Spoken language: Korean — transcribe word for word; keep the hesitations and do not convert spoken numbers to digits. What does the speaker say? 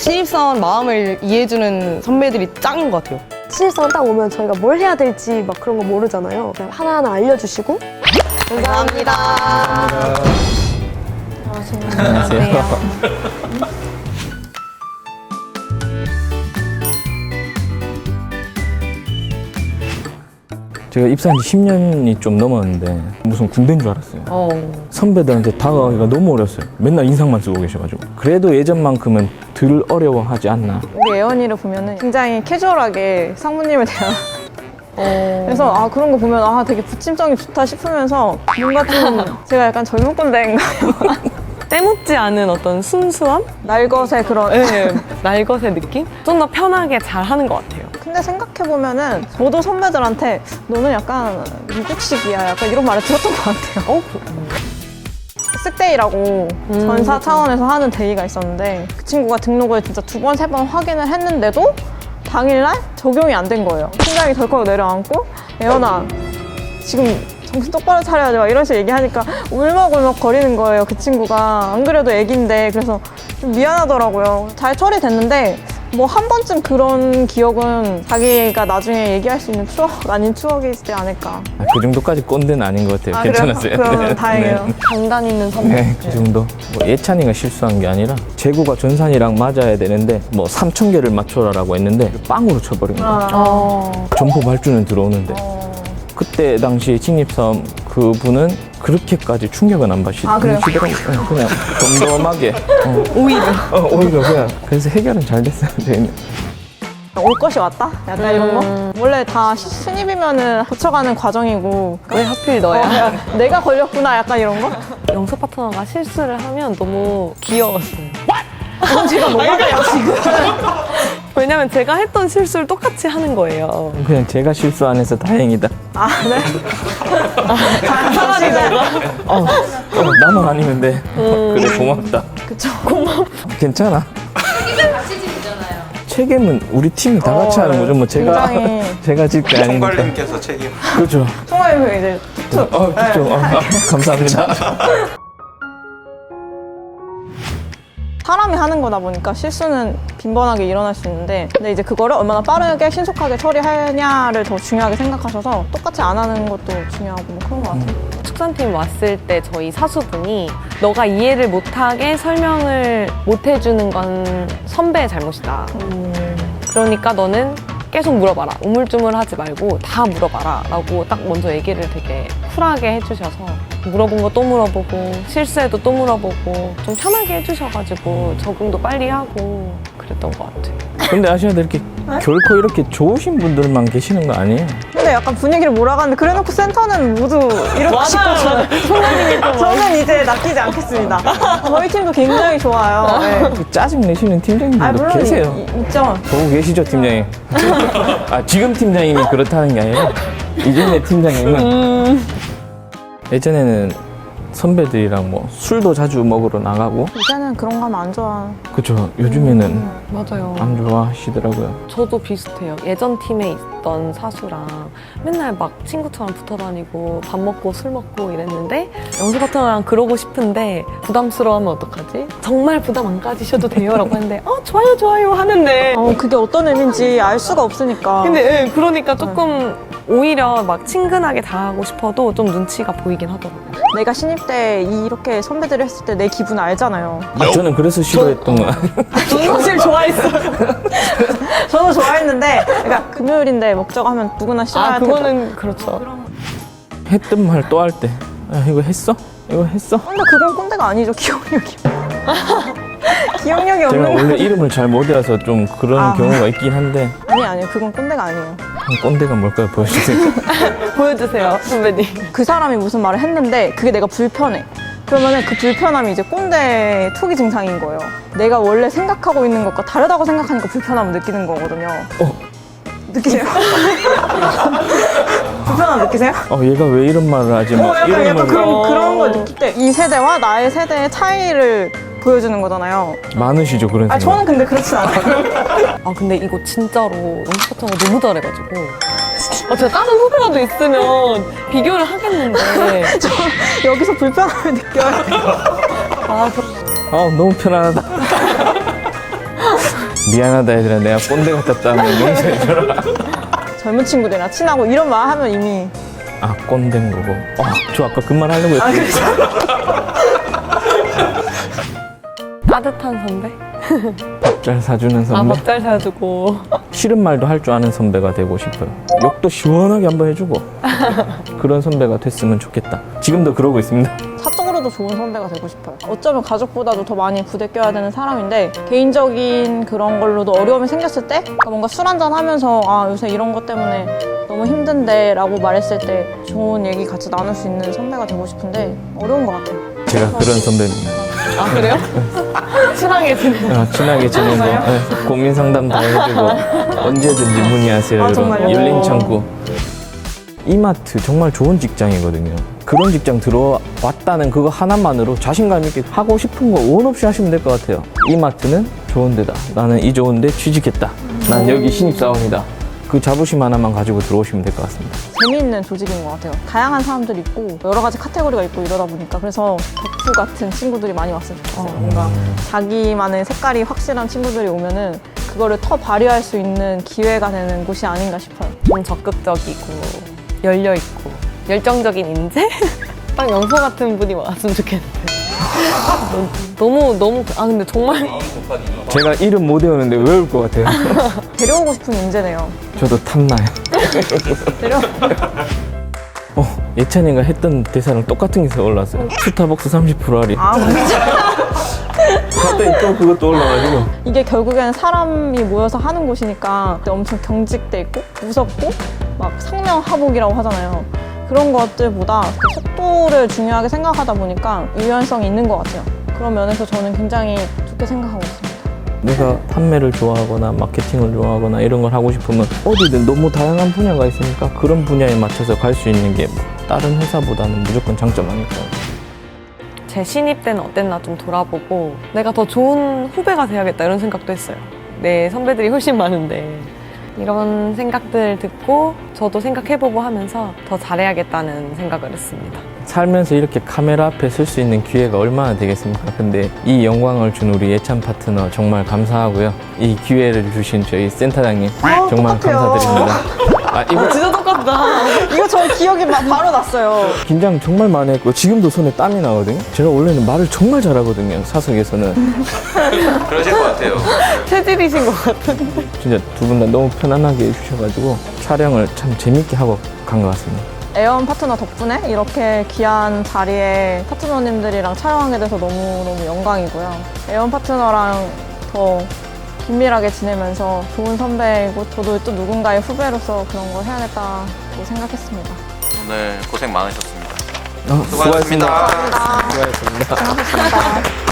신입사원 마음을 이해해주는 선배들이 짱인 것 같아요. 신입사원 딱 오면 저희가 뭘 해야 될지 막 그런 거 모르잖아요. 그냥 하나하나 알려주시고. 감사합니다. 안녕하세요. 제가 입사한 지 십 년이 좀 넘었는데 무슨 군대인 줄 알았어요. 어. 선배들한테 다가가기가 너무 어려웠어요. 맨날 인상만 쓰고 계셔가지고. 그래도 예전만큼은 덜 어려워하지 않나. 우리 예언이를 보면은 굉장히 캐주얼하게 상무님을 대하. 어. 그래서 아 그런 거 보면 아 되게 부침성이 좋다 싶으면서 뭔가 좀 제가 약간 젊은 꼰대인가요? 때묻지 않은 어떤 순수함? 날것의 그런. 네, 날것의 느낌? 좀 더 편하게 잘 하는 것 같아요. 근데 생각해보면은 저도 선배들한테 너는 약간 미국식이야 약간 이런 말을 들었던 것 같아요. 어? 쓱데이라고 음, 전사 맞아. 차원에서 하는 데이가 있었는데 그 친구가 등록을 진짜 두 번, 세 번 확인을 했는데도 당일날 적용이 안 된 거예요. 심장이 덜컥 내려앉고 예언아 지금 정신 똑바로 차려야지 막 이런 식으로 얘기하니까 울먹울먹 거리는 거예요. 그 친구가 안 그래도 애기인데 그래서 좀 미안하더라고요. 잘 처리됐는데 뭐 한 번쯤 그런 기억은 자기가 나중에 얘기할 수 있는 추억 아닌 추억이지 않을까. 아, 그 정도까지 꼰대는 아닌 것 같아요. 아, 괜찮았어요. 그래요? 그러면 다행이에요. 강단 있는 선배. 네, 그 정도. 뭐 예찬이가 실수한 게 아니라 재구가 전산이랑 맞아야 되는데 뭐 삼천 개를 맞춰라라고 했는데 빵으로 쳐버린 거예요. 아, 어. 점포 발주는 들어오는데 어. 그때 당시 신입사원 그분은 그렇게까지 충격은 안 받시, 아, 그래요? 받으시더라고요. 그냥 덤덤하게 어, 오히려 어, 오히려 그냥 그래서 해결은 잘 됐어요. 저희는. 올 것이 왔다? 약간 이런 거? 원래 다 시- 신입이면은 거쳐가는 과정이고 왜 하필 어, 너야? 야, 내가 걸렸구나 약간 이런 거? 영수 파트너가 실수를 하면 너무 귀여웠어요. 그건 제가 못 받아요 지금. 왜냐면 제가 했던 실수를 똑같이 하는 거예요. 그냥 제가 실수 안 해서 다행이다. 아 네? 차라리 너가. 어, 어, 나만 아니면 돼. 그래 고맙다. 그쵸. 괜찮아. 책임은 같이 지잖아요. 책임은 우리 팀이 다 같이 어, 하는 거죠. 뭐 제가 굉장히 제가 질 게 아니니까. 총괄님께서 책임. 그렇죠. 총괄님 이제 툭툭. 어, 그렇죠. 어, 아, 감사합니다. 사람이 하는 거다 보니까 실수는 빈번하게 일어날 수 있는데 근데 이제 그거를 얼마나 빠르게 신속하게 처리하냐를 더 중요하게 생각하셔서 똑같이 안 하는 것도 중요하고 뭐 그런 것 같아요. 축산팀 왔을 때 저희 사수분이 너가 이해를 못하게 설명을 못 해주는 건 선배의 잘못이다. 그러니까 너는 계속 물어봐라. 우물쭈물하지 말고 다 물어봐라 라고 딱 먼저 얘기를 되게 쿨하게 해주셔서 물어본 거 또 물어보고 실수해도 또 물어보고 좀 편하게 해주셔가지고 적응도 빨리 하고 그랬던 것 같아요. 근데 아셔야 될 게 결코 이렇게 좋으신 분들만 계시는 거 아니에요. 근데 약간 분위기를 몰아가는데 그래놓고 센터는 모두 이렇게 싶고 저는 이제 낚이지 않겠습니다. 저희 팀도 굉장히 좋아요. 네. 짜증 내시는 팀장님들도 아 물론 계세요. 이- 있죠. 보고 계시죠, 팀장님? 아, 지금 팀장님이 그렇다는 게 아니라 이전에 팀장님은 예전에는 선배들이랑 뭐 술도 자주 먹으러 나가고 이제는 그런 거 하면 안 좋아. 그쵸. 요즘에는 맞아요. 안 좋아하시더라고요. 저도 비슷해요. 예전 팀에 있던 사수랑 맨날 막 친구처럼 붙어 다니고 밥 먹고 술 먹고 이랬는데 영수 파트너랑 그러고 싶은데 부담스러워하면 어떡하지? 정말 부담 안 가지셔도 돼요 라고 했는데 어 좋아요 좋아요 하는데 어, 그게 어떤 의미인지 알 수가 없으니까. 근데 예, 그러니까 조금 오히려 막 친근하게 다가가고 싶어도 좀 눈치가 보이긴 하더라고요. 내가 신입 때 이렇게 선배들이 했을 때 내 기분 알잖아요. 아, 저는 그래서 싫어했던 거야. 저는 사실 좋아했어요. 저도 좋아했는데, 그러니까 금요일인데 먹자고 하면 누구나 싫어할 아 텐데. 그거는 그렇죠. 했던 말 또 할 때 야, 이거 했어? 이거 했어? 근데 그건 꼰대가 아니죠, 기억력이. 기억력이 제가 없는 원래 거. 이름을 잘 못 외워서 좀 그런 아. 경우가 있긴 한데 아니, 아니요. 그건 꼰대가 아니에요. 꼰대가 뭘까요? 보여주세요. 보여주세요 선배님. 그 사람이 무슨 말을 했는데 그게 내가 불편해. 그러면은 그 불편함이 이제 꼰대 투기 증상인 거예요. 내가 원래 생각하고 있는 것과 다르다고 생각하니까 불편함을 느끼는 거거든요. 어. 느끼세요? 불편함 느끼세요? 어, 얘가 왜 이런 말을 하지? 뭐 어, 약간, 이런 약간 말 그런, 그런 걸 느낄 때 이 세대와 나의 세대의 차이를 보여주는 거잖아요. 많으시죠 그런 아, 생각. 저는 근데 그렇진 않아요. 아 근데 이거 진짜로 영수 파트너가 너무 잘해가지고 아, 제가 다른 후배라도 있으면 비교를 하겠는데 저 여기서 불편함을 느껴요. 아, 그- 아 너무 편안하다. 미안하다 얘들아 내가 꼰대 같았다는 용서해줘라. 젊은 친구들이랑 친하고 이런 말 하면 이미 아 꼰대인 거고. 아, 저 아까 그 말 하려고 했어요. 따뜻한 선배? 밥 잘 사주는 아, 선배. 밥 잘 사주고. 싫은 말도 할 줄 아는 선배가 되고 싶어요. 욕도 시원하게 한번 해주고 그런 선배가 됐으면 좋겠다. 지금도 그러고 있습니다. 사적으로도 좋은 선배가 되고 싶어요. 어쩌면 가족보다도 더 많이 부대껴야 되는 사람인데 개인적인 그런 걸로도 어려움이 생겼을 때 그러니까 뭔가 술 한잔 하면서 아 요새 이런 것 때문에 너무 힘든데 라고 말했을 때 좋은 얘기 같이 나눌 수 있는 선배가 되고 싶은데 어려운 것 같아요. 제가 그런 선배입니다. 아, 그래요? 친하게 지내고. 어, 친하게 지내고 네, 고민 상담 다 해주고 언제든지 문의하세요. 아, 여러분. 정말요? 열린 창구. 이마트 정말 좋은 직장이거든요. 그런 직장 들어왔다는 그거 하나만으로 자신감 있게 하고 싶은 거 원 없이 하시면 될 것 같아요. 이마트는 좋은 데다. 나는 이 좋은 데 취직했다. 난 여기 신입사원이다. 그 자부심 하나만 가지고 들어오시면 될 것 같습니다. 재미있는 조직인 것 같아요. 다양한 사람들이 있고 여러 가지 카테고리가 있고 이러다 보니까 그래서 덕후 같은 친구들이 많이 왔으면 좋겠어요. 뭔가 자기만의 색깔이 확실한 친구들이 오면은 그거를 더 발휘할 수 있는 기회가 되는 곳이 아닌가 싶어요. 좀 적극적이고, 열려있고, 열정적인 인재? 딱 영서 같은 분이 왔으면 좋겠는데. 너무, 너무, 아, 근데 정말. 제가 이름 못 외우는데 외울 것 같아요. 데려오고 싶은 인재네요. 저도 탐나요. 데려. 어, 예찬이가 했던 대사랑 똑같은 게 올라왔어요. 스타벅스 삼십 퍼센트 할인. 아 진짜. 갑자기 또 그것도 올라가지고. 이게 결국에는 사람이 모여서 하는 곳이니까 엄청 경직돼 있고 무섭고 막 상명하복이라고 하잖아요. 그런 것들보다 그 속도를 중요하게 생각하다 보니까 유연성이 있는 것 같아요. 그런 면에서 저는 굉장히 좋게 생각하고 있습니다. 내가 판매를 좋아하거나 마케팅을 좋아하거나 이런 걸 하고 싶으면 어디든 너무 다양한 분야가 있으니까 그런 분야에 맞춰서 갈 수 있는 게 다른 회사보다는 무조건 장점 아닐까요? 제 신입 때는 어땠나 좀 돌아보고 내가 더 좋은 후배가 돼야겠다 이런 생각도 했어요. 내 선배들이 훨씬 많은데 이런 생각들 듣고 저도 생각해보고 하면서 더 잘해야겠다는 생각을 했습니다. 살면서 이렇게 카메라 앞에 설 수 있는 기회가 얼마나 되겠습니까? 근데 이 영광을 준 우리 예찬 파트너 정말 감사하고요. 이 기회를 주신 저희 센터장님 정말 똑같아요. 감사드립니다. 아, 이거 진짜 똑같다. 이거 저 기억이 막 바로 났어요. 긴장 정말 많이 했고 지금도 손에 땀이 나거든요. 제가 원래는 말을 정말 잘하거든요. 사석에서는. 그러실 것 같아요. 체질이신 것 같은데. 진짜 두 분 다 너무 편안하게 해주셔가지고 촬영을 참 재밌게 하고 간 것 같습니다. 에어원 파트너 덕분에 이렇게 귀한 자리에 파트너님들이랑 촬영하게 돼서 너무너무 영광이고요. 에어원 파트너랑 더 긴밀하게 지내면서 좋은 선배이고 저도 또 누군가의 후배로서 그런 걸 해야겠다고 생각했습니다. 오늘 고생 많으셨습니다. 어, 수고하셨습니다. 수고하셨습니다. 고생하셨습니다.